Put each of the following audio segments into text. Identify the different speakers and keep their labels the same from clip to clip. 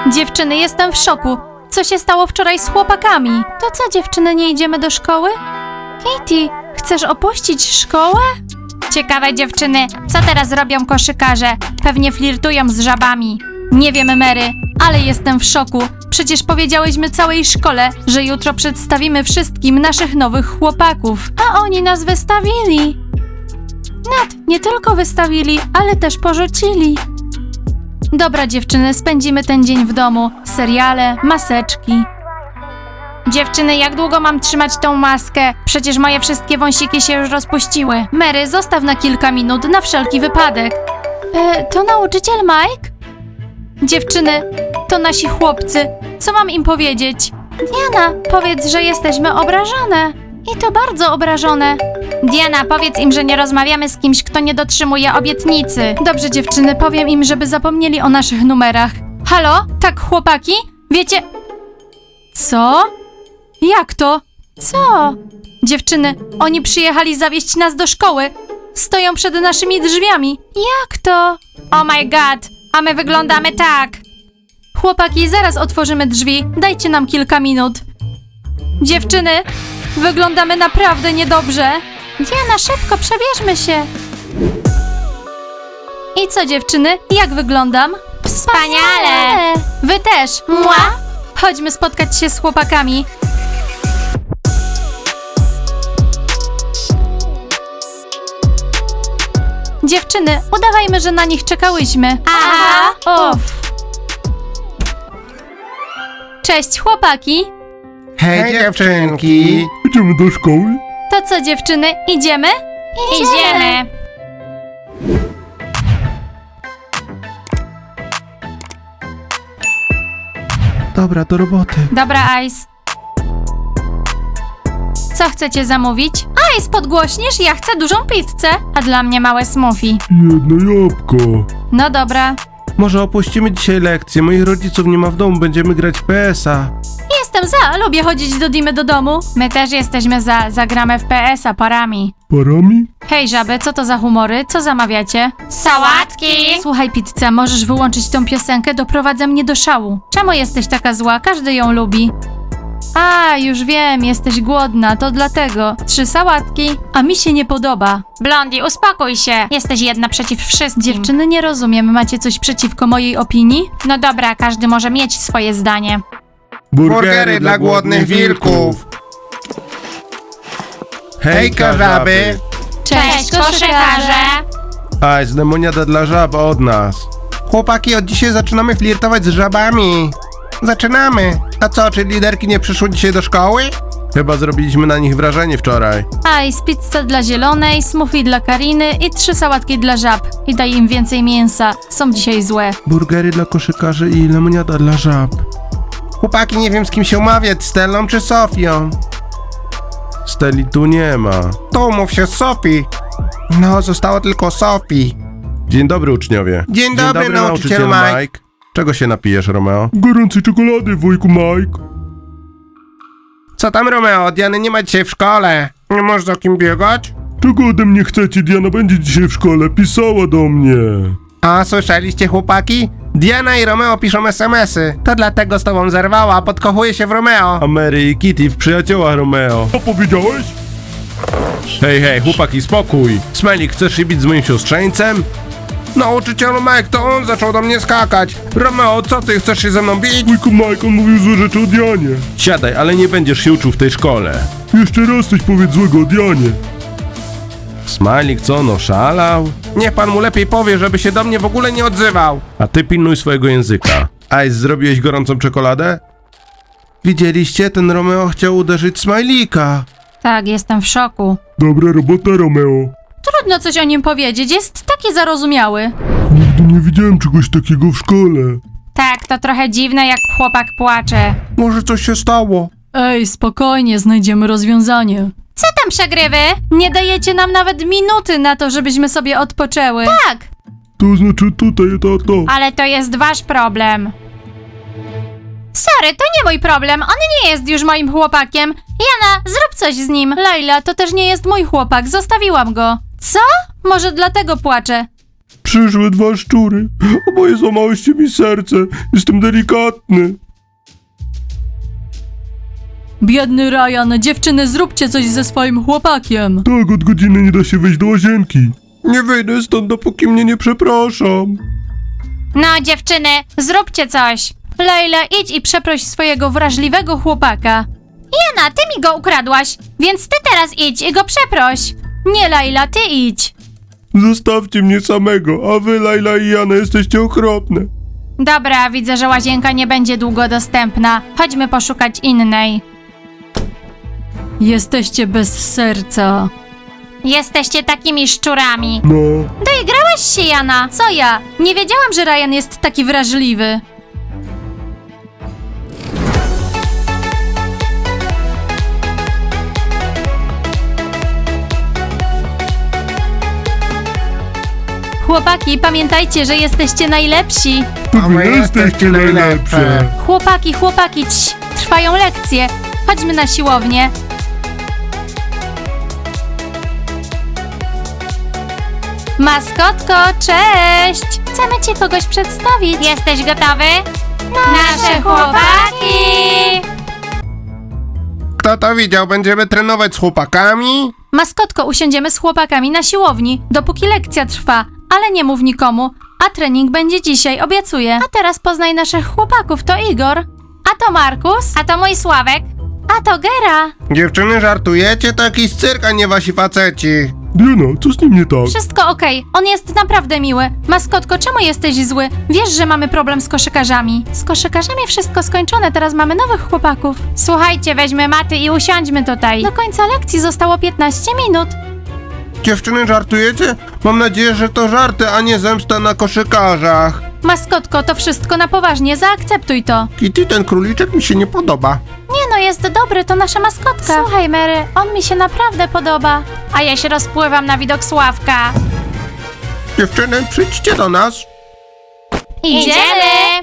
Speaker 1: Dziewczyny, jestem w szoku. Co się stało wczoraj z chłopakami? To co, dziewczyny, nie idziemy do szkoły? Katie, chcesz opuścić szkołę? Ciekawe, dziewczyny, co teraz robią koszykarze? Pewnie flirtują z żabami. Nie wiem, Mary, ale jestem w szoku. Przecież powiedziałyśmy całej szkole, że jutro przedstawimy wszystkim naszych nowych chłopaków. A oni nas wystawili. Nie tylko wystawili, ale też porzucili. Dobra, dziewczyny, spędzimy ten dzień w domu. Seriale, maseczki. Dziewczyny, jak długo mam trzymać tą maskę? Przecież moje wszystkie wąsiki się już rozpuściły. Mary, zostaw na kilka minut, na wszelki wypadek. To nauczyciel Mike? Dziewczyny, to nasi chłopcy. Co mam im powiedzieć? Diana, powiedz, że jesteśmy obrażone. I to bardzo obrażone. Diana, powiedz im, że nie rozmawiamy z kimś, kto nie dotrzymuje obietnicy. Dobrze, dziewczyny, powiem im, żeby zapomnieli o naszych numerach. Halo? Tak, chłopaki? Wiecie... Co? Jak to? Co? Dziewczyny, oni przyjechali zawieźć nas do szkoły. Stoją przed naszymi drzwiami. Jak to? Oh my god, a my wyglądamy tak. Chłopaki, zaraz otworzymy drzwi. Dajcie nam kilka minut. Dziewczyny, wyglądamy naprawdę niedobrze. Diana, szybko, przebierzmy się. I co, dziewczyny? Jak wyglądam? Wspaniale! Wy też. Mua! Chodźmy spotkać się z chłopakami. Dziewczyny, udawajmy, że na nich czekałyśmy. Aha! Uff. Cześć, chłopaki.
Speaker 2: Hej dziewczynki!
Speaker 3: Idziemy do szkoły?
Speaker 1: To co, dziewczyny, idziemy? Idziemy.
Speaker 3: Dobra, do roboty.
Speaker 1: Dobra, Ice. Co chcecie zamówić? Ice, podgłośnisz? Ja chcę dużą pizzę, a dla mnie małe smoothie.
Speaker 3: Jedno jabłko.
Speaker 1: No dobra.
Speaker 3: Może opuścimy dzisiaj lekcję, moich rodziców nie ma w domu, będziemy grać w PS-a.
Speaker 1: Jestem za, lubię chodzić do Dimy do domu. My też jesteśmy za, zagramy w PS-a parami.
Speaker 3: Parami?
Speaker 1: Hej żaby, co to za humory? Co zamawiacie? Sałatki! Słuchaj, pizza, możesz wyłączyć tą piosenkę? Doprowadza mnie do szału. Czemu jesteś taka zła? Każdy ją lubi. A, już wiem, jesteś głodna, to dlatego. 3 sałatki, a mi się nie podoba. Blondi, uspokój się. Jesteś jedna przeciw wszystkim. Dziewczyny, nie rozumiem, macie coś przeciwko mojej opinii? No dobra, każdy może mieć swoje zdanie.
Speaker 2: Burgery dla głodnych wilków! Hejka żaby!
Speaker 1: Cześć, koszykarze!
Speaker 3: Aj, z lemoniada dla żab od nas.
Speaker 2: Chłopaki, od dzisiaj zaczynamy flirtować z żabami. Zaczynamy! A co, czy liderki nie przyszły dzisiaj do szkoły?
Speaker 3: Chyba zrobiliśmy na nich wrażenie wczoraj.
Speaker 1: Ice, pizza dla zielonej, smoothie dla Kariny i 3 sałatki dla żab. I daj im więcej mięsa. Są dzisiaj złe.
Speaker 3: Burgery dla koszykarzy i lemoniada dla żab.
Speaker 2: Chłopaki, nie wiem z kim się umawiać, Stellą czy Sofią.
Speaker 3: Steli tu nie ma.
Speaker 2: To umów się z Sofii. No, zostało tylko Sofii.
Speaker 3: Dzień dobry, uczniowie.
Speaker 2: Dzień dobry, nauczycielu Mike.
Speaker 3: Czego się napijesz, Romeo? Gorącej czekolady, wujku Mike.
Speaker 2: Co tam, Romeo? Diany nie ma dzisiaj w szkole. Nie możesz za kim biegać?
Speaker 3: Czego ode mnie chcecie? Diana będzie dzisiaj w szkole, pisała do mnie.
Speaker 2: A, słyszeliście, chłopaki? Diana i Romeo piszą SMS-y. To dlatego z tobą zerwała, podkochuje się w Romeo.
Speaker 3: A Mary i Kitty w przyjaciołach Romeo. Co powiedziałeś? Hej, chłopaki, spokój. Smajlik, chcesz się bić z moim siostrzeńcem?
Speaker 2: Nauczycielu Mike, to on zaczął do mnie skakać. Romeo, co ty, chcesz się ze mną bić?
Speaker 3: Wujku Mike, on mówił złe rzeczy o Dianie. Siadaj, ale nie będziesz się uczył w tej szkole. Jeszcze raz coś powiedz złego o Dianie. Smajlik, co on oszalał?
Speaker 2: Niech pan mu lepiej powie, żeby się do mnie w ogóle nie odzywał.
Speaker 3: A ty pilnuj swojego języka. Ice, zrobiłeś gorącą czekoladę? Widzieliście? Ten Romeo chciał uderzyć Smajlika.
Speaker 1: Tak, jestem w szoku.
Speaker 3: Dobra robota, Romeo.
Speaker 1: Trudno coś o nim powiedzieć, jest taki zarozumiały.
Speaker 3: Nigdy nie widziałem czegoś takiego w szkole.
Speaker 1: Tak, to trochę dziwne, jak chłopak płacze.
Speaker 2: Może coś się stało?
Speaker 1: Ej, spokojnie, znajdziemy rozwiązanie. Co tam, przegrywy? Nie dajecie nam nawet minuty na to, żebyśmy sobie odpoczęły. Tak,
Speaker 3: To znaczy tutaj, tato.
Speaker 1: ale to jest wasz problem. Sorry, to nie mój problem, on nie jest już moim chłopakiem. Jana, zrób coś z nim. Laila, to też nie jest mój chłopak, zostawiłam go. Co? Może dlatego płaczę.
Speaker 3: Przyszły 2 szczury. Oboje złamałyście mi serce. Jestem delikatny.
Speaker 4: Biedny Ryan, dziewczyny, zróbcie coś ze swoim chłopakiem.
Speaker 3: Tak, od godziny nie da się wejść do łazienki. Nie wyjdę stąd, dopóki mnie nie przepraszam.
Speaker 1: No dziewczyny, zróbcie coś. Laila, idź i przeproś swojego wrażliwego chłopaka. Jana, ty mi go ukradłaś, więc ty teraz idź i go przeproś. Nie, Laila, ty idź.
Speaker 3: Zostawcie mnie samego, a wy, Laila i Jana, jesteście okropne.
Speaker 1: Dobra, widzę, że łazienka nie będzie długo dostępna. Chodźmy poszukać innej.
Speaker 4: Jesteście bez serca.
Speaker 1: Jesteście takimi szczurami.
Speaker 3: No.
Speaker 1: Doigrałaś się, Jana. Co ja? Nie wiedziałam, że Ryan jest taki wrażliwy. Chłopaki, pamiętajcie, że jesteście najlepsi.
Speaker 3: To wy jesteście najlepsze.
Speaker 1: Chłopaki, trwają lekcje. Chodźmy na siłownię. Maskotko, cześć! Chcemy ci kogoś przedstawić. Jesteś gotowy? Nasze chłopaki!
Speaker 2: Kto to widział? Będziemy trenować z chłopakami?
Speaker 1: Maskotko, usiądziemy z chłopakami na siłowni, dopóki lekcja trwa, ale nie mów nikomu, a trening będzie dzisiaj, obiecuję. A teraz poznaj naszych chłopaków, to Igor, a to Markus, a to mój Sławek, a to Gera.
Speaker 2: Dziewczyny, żartujecie? To jakiś cyrk, a nie wasi faceci.
Speaker 3: Diana, co z nim nie tak?
Speaker 1: Wszystko okej, on jest naprawdę miły. Maskotko, czemu jesteś zły? Wiesz, że mamy problem z koszykarzami. Z koszykarzami wszystko skończone, teraz mamy nowych chłopaków. Słuchajcie, weźmy maty i usiądźmy tutaj. Do końca lekcji zostało 15 minut.
Speaker 2: Dziewczyny, żartujecie? Mam nadzieję, że to żarty, a nie zemsta na koszykarzach.
Speaker 1: Maskotko, to wszystko na poważnie, zaakceptuj to.
Speaker 2: Kitty, ten króliczek mi się nie podoba.
Speaker 1: Nie no, jest dobry, to nasza maskotka. Słuchaj, Mary, on mi się naprawdę podoba. A ja się rozpływam na widok Sławka.
Speaker 2: Dziewczyny, przyjdźcie do nas.
Speaker 1: Idziemy!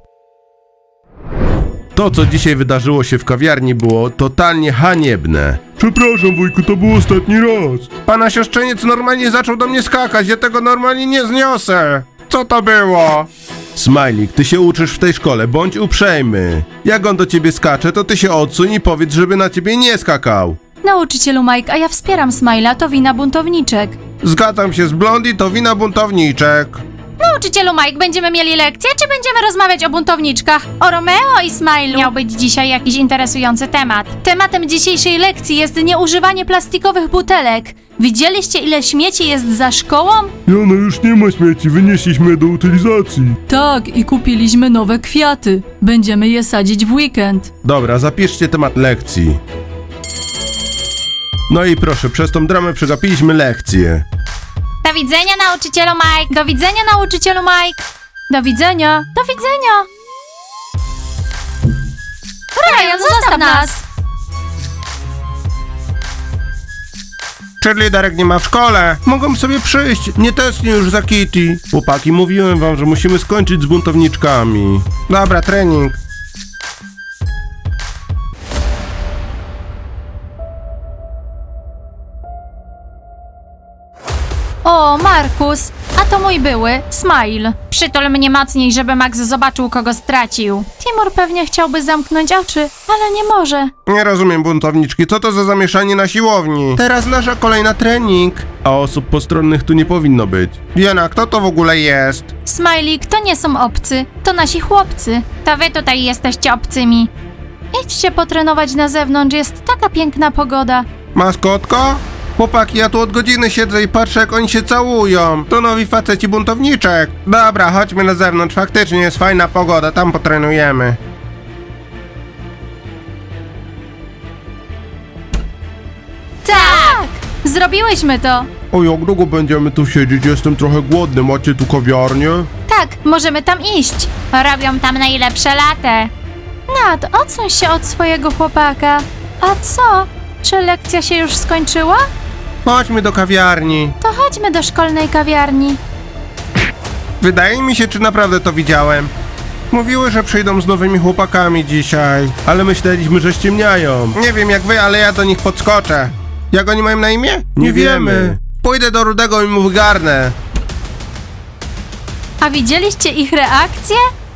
Speaker 3: To, co dzisiaj wydarzyło się w kawiarni, było totalnie haniebne. Przepraszam, wujku, to był ostatni raz.
Speaker 2: Pana siostrzeniec normalnie zaczął do mnie skakać, ja tego normalnie nie zniosę. Co to było?
Speaker 3: Smajlik, ty się uczysz w tej szkole, bądź uprzejmy. Jak on do ciebie skacze, to ty się odsuń i powiedz, żeby na ciebie nie skakał.
Speaker 1: Nauczycielu Mike, a ja wspieram Smile'a, to wina buntowniczek.
Speaker 2: Zgadzam się z Blondie, to wina buntowniczek.
Speaker 1: Nauczycielu Mike, będziemy mieli lekcję, czy będziemy rozmawiać o buntowniczkach? O Romeo i Smile'u? Miał być dzisiaj jakiś interesujący temat. Tematem dzisiejszej lekcji jest nieużywanie plastikowych butelek. Widzieliście, ile śmieci jest za szkołą?
Speaker 3: Jana, już nie ma śmieci, wynieśliśmy je do utylizacji.
Speaker 4: Tak, i kupiliśmy nowe kwiaty. Będziemy je sadzić w weekend.
Speaker 3: Dobra, zapiszcie temat lekcji. No i proszę, przez tą dramę przegapiliśmy lekcję.
Speaker 1: Do widzenia, nauczycielu Mike! Do widzenia, nauczycielu Mike! Do widzenia! Do widzenia! Ryan, zostaw nas!
Speaker 2: Cheerleaderek nie ma w szkole. Mogą sobie przyjść, nie tęsknię już za Kitty.
Speaker 3: Chłopaki, mówiłem wam, że musimy skończyć z buntowniczkami.
Speaker 2: Dobra, trening.
Speaker 1: O, Markus! A to mój były, Smile. Przytul mnie mocniej, żeby Max zobaczył, kogo stracił. Timur pewnie chciałby zamknąć oczy, ale nie może.
Speaker 2: Nie rozumiem, buntowniczki, co to za zamieszanie na siłowni? Teraz nasza kolejna trening.
Speaker 3: A osób postronnych tu nie powinno być.
Speaker 2: Diana, kto to w ogóle jest?
Speaker 1: Smajlik, to nie są obcy, to nasi chłopcy. To wy tutaj jesteście obcymi. Idźcie potrenować na zewnątrz, jest taka piękna pogoda.
Speaker 2: Maskotko? Chłopaki, ja tu od godziny siedzę i patrzę, jak oni się całują. To nowi faceci buntowniczek. Dobra, chodźmy na zewnątrz, faktycznie jest fajna pogoda, tam potrenujemy.
Speaker 1: Tak! Zrobiłyśmy to!
Speaker 3: O, jak długo będziemy tu siedzieć? Jestem trochę głodny. Macie tu kawiarnię?
Speaker 1: Tak, możemy tam iść. Robią tam najlepsze latę. Nad, odsuń się od swojego chłopaka. A co? Czy lekcja się już skończyła?
Speaker 2: Chodźmy do kawiarni.
Speaker 1: To chodźmy do szkolnej kawiarni.
Speaker 2: Wydaje mi się, czy naprawdę to widziałem. Mówiły, że przyjdą z nowymi chłopakami dzisiaj.
Speaker 3: Ale myśleliśmy, że ściemniają.
Speaker 2: Nie wiem jak wy, ale ja do nich podskoczę. Jak oni mają na imię?
Speaker 3: Nie wiemy.
Speaker 2: Pójdę do Rudego i mu wygarnę.
Speaker 1: A widzieliście ich reakcję?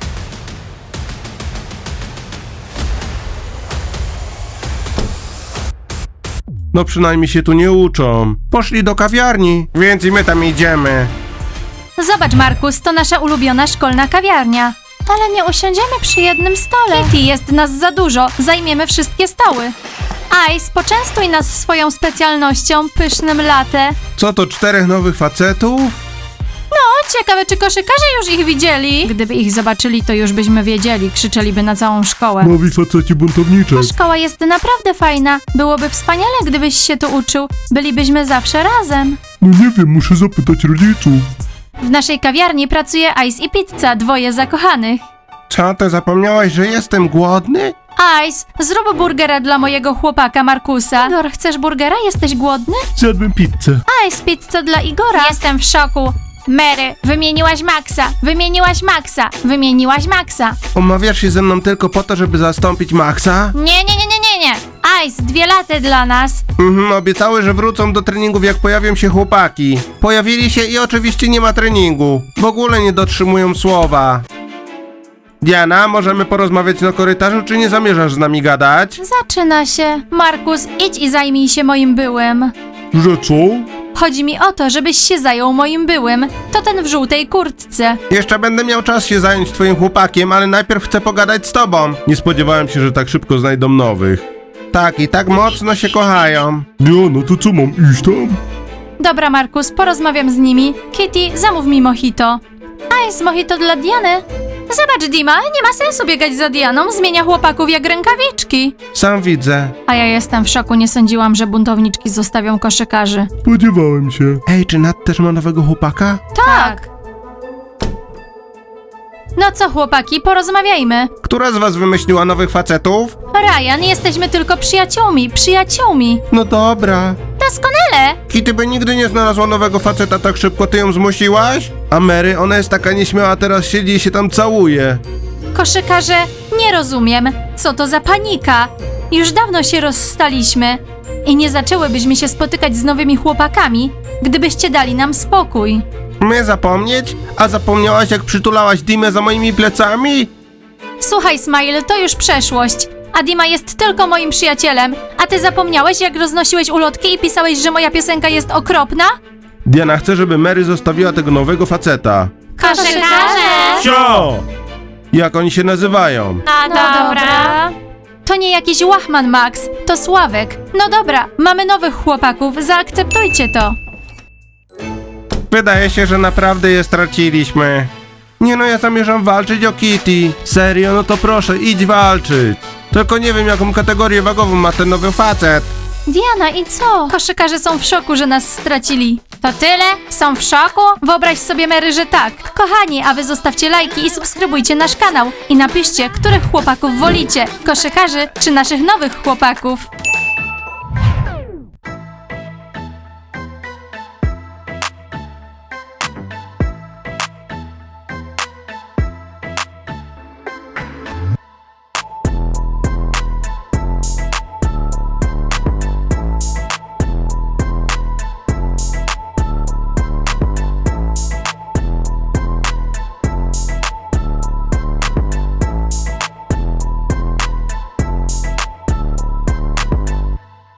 Speaker 2: No przynajmniej się tu nie uczą. Poszli do kawiarni, więc i my tam idziemy.
Speaker 1: Zobacz, Markus, to nasza ulubiona szkolna kawiarnia. Ale nie usiądziemy przy jednym stole. Kitty, jest nas za dużo. Zajmiemy wszystkie stoły. Ice, poczęstuj nas swoją specjalnością, pysznym latte.
Speaker 2: Co to, 4 nowych facetów?
Speaker 1: O, ciekawe, czy koszykarze już ich widzieli? Gdyby ich zobaczyli, to już byśmy wiedzieli. Krzyczeliby na całą szkołę.
Speaker 3: Nowi faceci buntowniczek.
Speaker 1: Ta szkoła jest naprawdę fajna. Byłoby wspaniale, gdybyś się tu uczył. Bylibyśmy zawsze razem.
Speaker 3: No nie wiem, muszę zapytać rodziców.
Speaker 1: W naszej kawiarni pracuje Ice i Pizza, dwoje zakochanych.
Speaker 2: Co, ty zapomniałaś, że jestem głodny?
Speaker 1: Ice, zrób burgera dla mojego chłopaka Markusa. Igor, chcesz burgera? Jesteś głodny?
Speaker 3: Zjadłem pizzę.
Speaker 1: Ice, pizza dla Igora. Jestem w szoku. Mary, wymieniłaś Maxa, wymieniłaś Maxa, wymieniłaś Maxa.
Speaker 2: Umawiasz się ze mną tylko po to, żeby zastąpić Maxa?
Speaker 1: Nie. Ice, 2 laty dla nas.
Speaker 2: Obiecały, że wrócą do treningów, jak pojawią się chłopaki. Pojawili się i oczywiście nie ma treningu. W ogóle nie dotrzymują słowa. Diana, możemy porozmawiać na korytarzu, czy nie zamierzasz z nami gadać?
Speaker 1: Zaczyna się. Markus, idź i zajmij się moim byłym.
Speaker 3: Że co?
Speaker 1: Chodzi mi o to, żebyś się zajął moim byłym. To ten w żółtej kurtce.
Speaker 2: Jeszcze będę miał czas się zająć twoim chłopakiem, ale najpierw chcę pogadać z tobą.
Speaker 3: Nie spodziewałem się, że tak szybko znajdą nowych.
Speaker 2: Tak, i tak mocno się kochają.
Speaker 3: No to co, mam iść tam?
Speaker 1: Dobra, Markus, porozmawiam z nimi. Kitty, zamów mi mojito. Ice, mojito dla Diany. Zobacz, Dima, nie ma sensu biegać za Dianą, zmienia chłopaków jak rękawiczki.
Speaker 2: Sam widzę.
Speaker 1: A ja jestem w szoku, nie sądziłam, że buntowniczki zostawią koszykarzy.
Speaker 3: Spodziewałem się.
Speaker 2: Ej, czy Nat też ma nowego chłopaka?
Speaker 1: Tak. No co, chłopaki, porozmawiajmy.
Speaker 2: Która z was wymyśliła nowych facetów?
Speaker 1: Ryan, jesteśmy tylko przyjaciółmi.
Speaker 2: No dobra.
Speaker 1: Doskonale.
Speaker 2: Kitty by nigdy nie znalazła nowego faceta tak szybko, ty ją zmusiłaś? A Mary, ona jest taka nieśmiała, teraz siedzi i się tam całuje.
Speaker 1: Koszykarze, nie rozumiem. Co to za panika? Już dawno się rozstaliśmy. I nie zaczęłybyśmy się spotykać z nowymi chłopakami, gdybyście dali nam spokój.
Speaker 2: My zapomnieć? A zapomniałaś, jak przytulałaś Dimę za moimi plecami?
Speaker 1: Słuchaj, Smile, to już przeszłość. A Dima jest tylko moim przyjacielem. A ty zapomniałeś, jak roznosiłeś ulotki i pisałeś, że moja piosenka jest okropna?
Speaker 2: Diana chce, żeby Mary zostawiła tego nowego faceta.
Speaker 1: Koszykarze!
Speaker 3: Cio!
Speaker 2: Jak oni się nazywają?
Speaker 1: No dobra. To nie jakiś łachman, Max. To Sławek. No dobra, mamy nowych chłopaków, zaakceptujcie to.
Speaker 2: Wydaje się, że naprawdę je straciliśmy. Nie no, ja zamierzam walczyć o Kitty. Serio? No to proszę, idź walczyć. Tylko nie wiem, jaką kategorię wagową ma ten nowy facet.
Speaker 1: Diana, i co? Koszykarze są w szoku, że nas stracili. To tyle? Są w szoku? Wyobraź sobie, Mary, że tak. Kochani, a wy zostawcie lajki i subskrybujcie nasz kanał. I napiszcie, których chłopaków wolicie. Koszykarzy czy naszych nowych chłopaków.